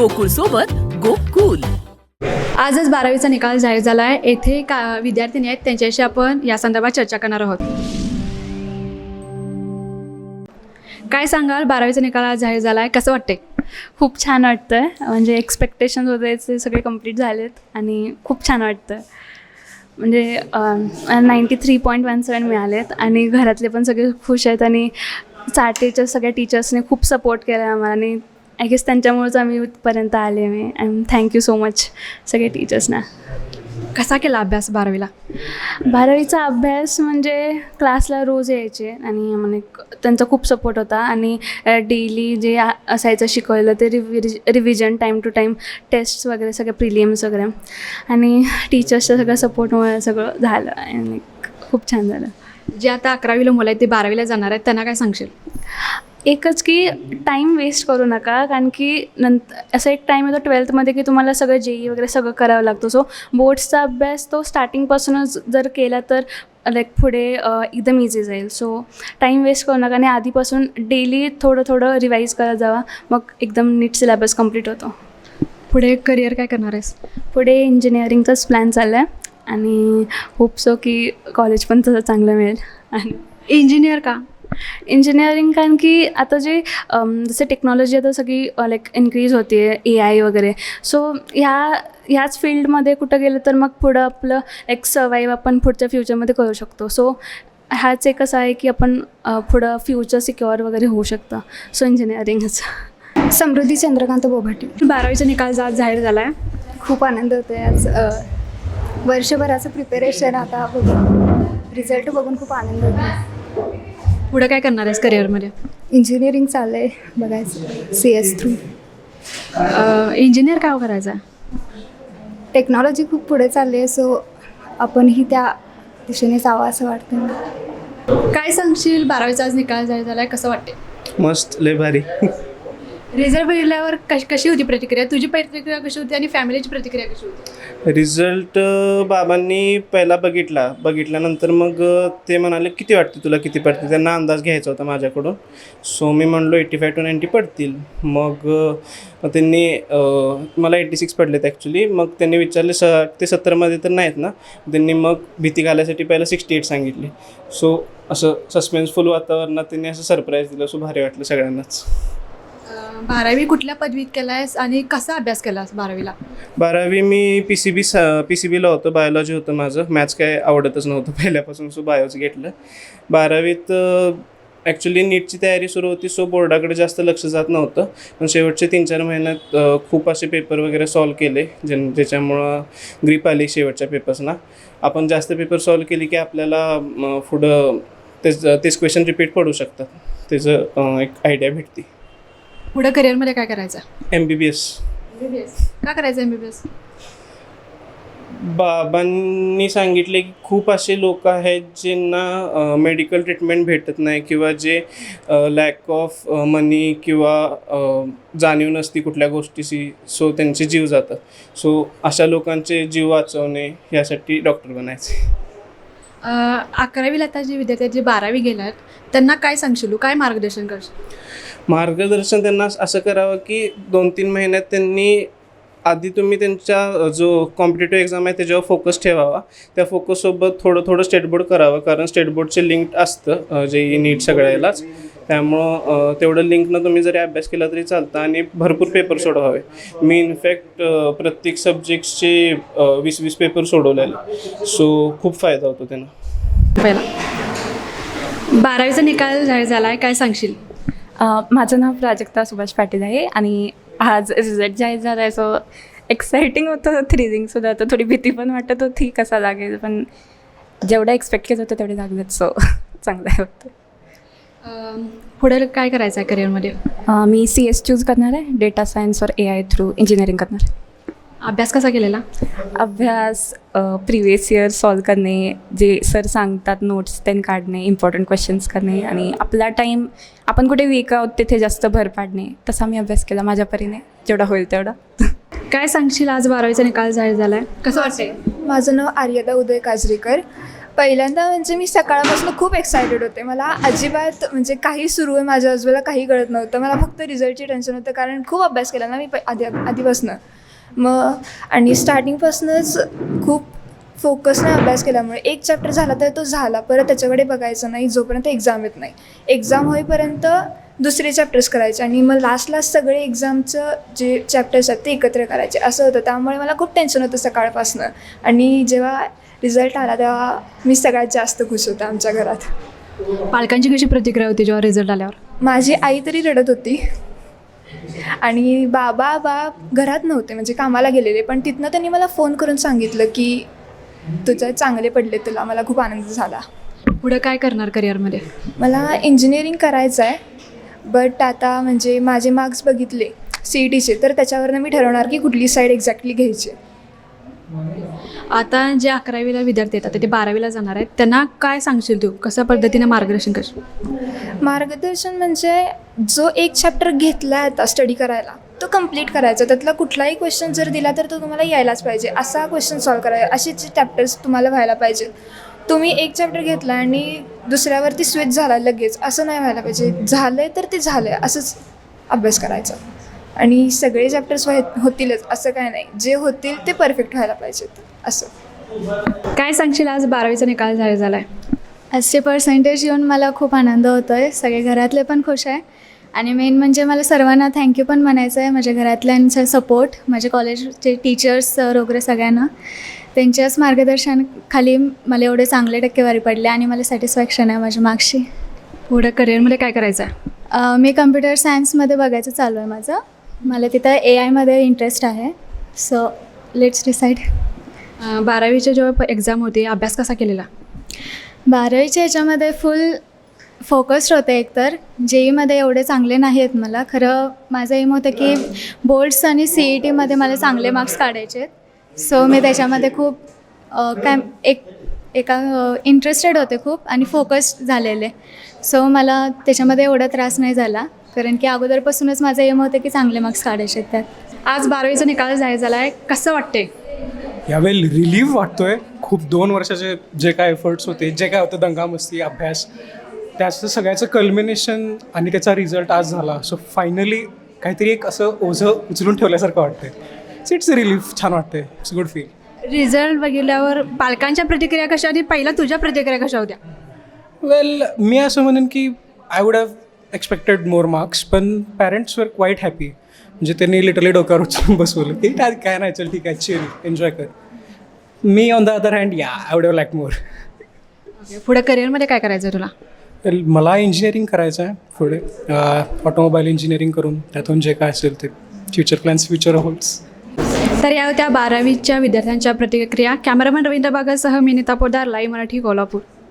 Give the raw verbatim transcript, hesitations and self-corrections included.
गोकुळ सोबत गोकुल. आजच बारावीचा निकाल जाहीर झाला आहे. येथे का विद्यार्थिनी आहेत, त्यांच्याशी आपण या संदर्भात चर्चा करणार आहोत. काय सांगाल, बारावीचा निकाल आज जाहीर झाला आहे, कसं वाटते? खूप छान वाटतं आहे. म्हणजे एक्सपेक्टेशन्स होते ते सगळे कंप्लीट झालेत आणि खूप छान वाटतं. म्हणजे ninety three point one seven मिळालेत आणि घरातले पण सगळे खुश आहेत आणि चाटेच्या सगळ्या टीचर्सने खूप सपोर्ट केला आहे आम्हाला आणि आय गेस त्यांच्यामुळेच आम्ही इथपर्यंत आले. मी अँड थँक्यू सो मच सगळे टीचर्सना. कसा केला अभ्यास बारावीला? बारावीचा अभ्यास म्हणजे क्लासला रोज यायचे आणि म्हणजे त्यांचा खूप सपोर्ट होता आणि डेली जे असायचं शिकवलं ते रिवि revision time to time, tests वगैरे सगळे प्रिलियम्स वगैरे आणि टीचर्सचं सगळं सपोर्टमुळे सगळं झालं आणि खूप छान झालं. जे आता अकरावीला मुलं आहेत ते बारावीला जाणार आहेत, त्यांना काय सांगशील? एकच की टाईम वेस्ट करू नका, कारण की नंतर असं एक टाईम येतो ट्वेल्थमध्ये की तुम्हाला सगळं जेई वगैरे सगळं करावं लागतं. सो बोर्ड्सचा अभ्यास तो स्टार्टिंगपासूनच जर केला तर लाईक पुढे एकदम इझी जाईल. सो टाईम वेस्ट करू नका आणि आधीपासून डेली थोडं थोडं रिवाईज करत जावा, मग एकदम नीट सिलेबस कंप्लीट होतो. पुढे करिअर काय करणार आहेस? पुढे इंजिनिअरिंगचाच प्लॅन चालला आहे आणि होप सो की कॉलेज पण तसं चांगलं मिळेल. आणि इंजिनियर का? इंजिनिअरिंग कारण की आता जे जसे टेक्नॉलॉजी आता सगळी लाईक इन्क्रीज होते, ए आय वगैरे. सो ह्या ह्याच फील्डमध्ये कुठं गेलं तर मग पुढं आपलं एक सर्वाईव्ह आपण पुढच्या फ्युचरमध्ये करू शकतो. सो ह्याच एक असं आहे की आपण पुढं फ्युचर सिक्युअर वगैरे होऊ शकतं. सो इंजिनिअरिंगच. समृद्धी चंद्रकांत बोभाटे. बारावीचा निकाल आज जाहीर झाला आहे, खूप आनंद होतो आहे. आज अ, वर्षभराचं प्रिपेरेशन आता बघून रिझल्ट बघून खूप आनंद होतो. पुढे काय करणार आहेस करिअरमध्ये? इंजिनिअरिंग चाललं आहे बघायचं, सी एस थ्रू. इंजिनियर काय करायचं आहे? टेक्नॉलॉजी खूप पुढे चालली आहे, सो आपणही त्या दिशेने जावं असं वाटतं मला. काय सांगशील, बारावीचा आज निकाल जाहीर झाला आहे, कसं वाटते? मस्त, लय भारी. रिझल्ट बघितल्यावर कशी कशी होती प्रतिक्रिया? तुझी प्रतिक्रिया कशी होती आणि फॅमिलीची प्रतिक्रिया कशी होती? रिझल्ट बाबांनी पहिला बघितला बघितल्यानंतर मग ते म्हणाले किती वाटते तुला, किती पडते. त्यांना अंदाज घ्यायचा होता माझ्याकडून. सो मी म्हणलो एटी फाय टू नाईंटी पडतील. मग त्यांनी मला एटी सिक्स पडलेत ॲक्च्युली. मग त्यांनी विचारले स ते सत्तरमध्ये तर नाहीत ना. त्यांनी मग भीती घालायसाठी पहिला सिक्स्टी एट सांगितली. सो असं सस्पेन्सफुल वातावरणात त्यांनी असं सरप्राईज दिलं. सो भारी वाटलं सगळ्यांनाच. बारावी कुठल्या पदवीत केलायस आणि कसा अभ्यास केलास बारावीला? बारावी मी P C B P C बीला होतं, बायोलॉजी होतं माझं. मॅथ्स काय आवडतच नव्हतं पहिल्यापासून, सो बायोच घेतलं. बारावीत ॲक्च्युली नीटची तयारी सुरू होती, सो बोर्डाकडे जास्त लक्ष जात नव्हतं. पण शेवटचे तीन चार महिन्यात खूप असे पेपर वगैरे सॉल्व केले, ज्या ज्याच्यामुळं ग्रीप आली शेवटच्या पेपर्सना. आपण जास्त पेपर सॉल्व केली की आपल्याला पुढं तेच तेच क्वेश्चन रिपीट पडू शकतात. त्याचं एक आयडिया भेटते. पुढे करिअरमध्ये काय करायचं? M B B S. M B B S का करायचं? एम बी बी एस बाबांनी सांगितले की खूप असे लोक आहेत ज्यांना मेडिकल ट्रीटमेंट भेटत नाही किंवा जे लॅक ऑफ मनी किंवा जाणीव नसती कुठल्या गोष्टीची, सो त्यांचे जीव जातात. सो अशा लोकांचे जीव वाचवणे यासाठी डॉक्टर बनायचे. अकरावीला आता जे विद्यार्थी आहेत, जे बारावी गेल्यात, त्यांना काय सांगशील, काय मार्गदर्शन करशील? मार्गदर्शन त्यांना असं करावं की दोन तीन महिन्यात त्यांनी आधी तुम्ही त्यांच्या जो कॉम्पिटेटिव्ह एक्झाम आहे त्याच्यावर फोकस ठेवावा. त्या फोकससोबत थोडं थोडं स्टेट बोर्ड करावं, कारण स्टेट बोर्डचे लिंक असतं जे ई नीट सगळ्यालाच. त्यामुळं तेवढं लिंकनं तुम्ही जरी अभ्यास केला तरी चालतं आणि भरपूर पेपर सोडवावे. मी इनफॅक्ट प्रत्येक सब्जेक्टचे वीस वीस पेपर सोडवलेले. सो खूप फायदा होतो त्यांना. पहिला बारावीचा निकाल जाहीर झाला आहे, काय सांगशील? माझं नाव प्राजक्ता सुभाष पाटील आहे आणि आज रिझल्ट जाहीर झाला आहे. सो एक्साइटिंग होतं, थ्रिलिंगसुद्धा होतं, थोडी भीती पण वाटत होती कसा लागेल, पण जेवढं एक्सपेक्ट केलं होतं तेवढे लागलेत. सो चांगलं आहे होतं. पुढे काय करायचं आहे करिअरमध्ये? मी सी एस चूज करणार आहे, डेटा सायन्स और ए आय थ्रू इंजिनिअरिंग करणार आहे. अभ्यास कसा केलेला? अभ्यास प्रिवियस इयर सॉल्व करणे, जे सर सांगतात नोट्स त्यांनी काढणे, इम्पॉर्टंट क्वेश्चन्स करणे आणि आपला टाईम आपण कुठे वीक आहोत तिथे जास्त भर पाडणे. तसा मी अभ्यास केला माझ्या परीने, जेवढा होईल तेवढा. काय सांगशील, आज बारावीचा निकाल जाहीर झाला आहे, कसं वाटतंय? माझं नाव आर्यदा उदय काजरीकर. पहिल्यांदा म्हणजे मी सकाळपासून खूप एक्सायटेड होते. मला अजिबात म्हणजे काही सुरू आहे माझ्या आजूबाजूला काही कळत नव्हतं. मला फक्त रिझल्टची टेन्शन होतं कारण खूप अभ्यास केला ना मी प आधी आधीपासनं. मग आणि स्टार्टिंगपासूनच खूप फोकसने अभ्यास केल्यामुळे एक चॅप्टर झाला तर तो झाला, परत त्याच्याकडे बघायचं नाही जोपर्यंत एक्झाम येत नाही. एक्झाम होईपर्यंत दुसरे चॅप्टर्स करायचे आणि मग लास्ट लास्ट सगळे एक्झामचं जे चॅप्टर्स आहेत ते एकत्र करायचे असं होतं. त्यामुळे मला खूप टेन्शन होतं सकाळपासनं. आणि जेव्हा रिझल्ट आला तेव्हा मी सगळ्यात जास्त खुश होते आमच्या घरात. पालकांची कशी प्रतिक्रिया होती जेव्हा रिझल्ट आल्यावर? माझी आई तरी रडत होती आणि बाबा बा घरात नव्हते म्हणजे कामाला गेलेले, पण तिथनं त्यांनी मला फोन करून सांगितलं की तुझं चांगले पडले तुला. मला खूप आनंद झाला. पुढं काय करणार करिअरमध्ये? मला इंजिनिअरिंग करायचं आहे, बट आता म्हणजे माझे मार्क्स बघितले सी ई टीचे तर त्याच्यावरनं मी ठरवणार की कुठली साईड एक्झॅक्टली घ्यायची. आता जे अकरावीला विद्यार्थी येतात ते बारावीला जाणार आहेत त्यांना काय सांगशील तू? कशा पद्धतीने मार्गदर्शन करशील? मार्गदर्शन म्हणजे जो एक चॅप्टर घेतला आहे आता स्टडी करायला तो कम्प्लीट करायचा. त्यातला कुठलाही क्वेश्चन जर दिला तर तो तुम्हाला यायलाच पाहिजे. असा क्वेश्चन सॉल्व करायचा, असेच चॅप्टर्स तुम्हाला व्हायला पाहिजे. तुम्ही एक चॅप्टर घेतला आणि दुसऱ्यावरती स्विच झाला लगेच असं नाही व्हायला पाहिजे. झालं आहे तर ते झालं आहे असंच अभ्यास करायचा. आणि सगळे चॅप्टर्स व्हाय होतीलच असं काय नाही, जे होतील ते परफेक्ट व्हायला पाहिजेत असं. काय सांगशील आज बारावीचा निकाल जाहीर झाला आहे? आजचे पर्सेंटेज येऊन मला खूप आनंद होतो आहे. सगळे घरातले पण खुश आहे आणि मेन म्हणजे मला सर्वांना थँक्यू पण म्हणायचं आहे. माझ्या घरातल्यांचा सपोर्ट, माझे कॉलेजचे टीचर्स सर वगैरे सगळ्यांना त्यांच्याच मार्गदर्शनाखाली मला एवढे चांगले टक्केवारी पडले आणि मला सॅटिस्फॅक्शन आहे माझ्या मार्क्सची. पुढं करिअरमध्ये काय करायचं आहे? मी कम्प्युटर सायन्समध्ये बघायचं चालू आहे माझं. मला तिथं ए आयमध्ये इंटरेस्ट आहे. So let's decide. बारावीच्या जेव्हा एक्झाम होती अभ्यास कसा केलेला? बारावीच्या ह्याच्यामध्ये फुल फोकस्ड होते. एकतर जे ईमध्ये एवढे चांगले नाही आहेत मला. खरं माझं एम होतं की बोर्ड्स आणि सी ई टीमध्ये मला चांगले मार्क्स काढायचे आहेत. सो मी त्याच्यामध्ये खूप काय एक एका इंटरेस्टेड होते खूप आणि फोकस्ड झालेले. सो मला त्याच्यामध्ये एवढा त्रास नाही झाला कारण की अगोदरपासूनच माझं एम होतं की चांगले मार्क्स काढायचे आहेत त्यात. आज बारावीचा निकाल जाहीर झाला आहे, कसं वाटते? यावेळी रिलीफ वाटतोय. खूप दोन वर्षाचे जे काय एफर्ट्स होते, जे काय होतं दंगामस्ती अभ्यास, त्याचं सगळ्याचं कल्मिनेशन आणि त्याचा रिझल्ट आज झाला. सो फायनली काहीतरी एक असं ओझं उचलून ठेवल्यासारखं वाटतंय. So it's a relief. छान वाटतंय. It's good feel. रिझल्ट बघितल्यावर पालकांच्या प्रतिक्रिया कशा आणि पहिला तुझ्या प्रतिक्रिया कशा होत्या? वेल मी असं म्हणेन की I would have expected more marks, पण पॅरेंट्स वर क्वाईट हॅपी. म्हणजे त्यांनी लिटरली डोक्यावर उचलून बसवलं की काय नाही, चल ठीक आहे, चिल, एन्जॉय कर. मी ऑन द अदर हँड या I would have like more. पुढे करिअरमध्ये काय करायचं आहे तुला? वेल मला इंजिनिअरिंग करायचं आहे पुढे. ऑटोमोबाईल इंजिनिअरिंग करून त्यातून जे काय असेल ते फ्युचर प्लॅन्स फ्युचर होल्ड्स. तर या होत्या बारावीच्या विद्यार्थ्यांच्या प्रतिक्रिया. कॅमेरामॅन रवींद्र बागासह मी नीता पोदार, लाईव्ह मराठी, कोल्हापूर.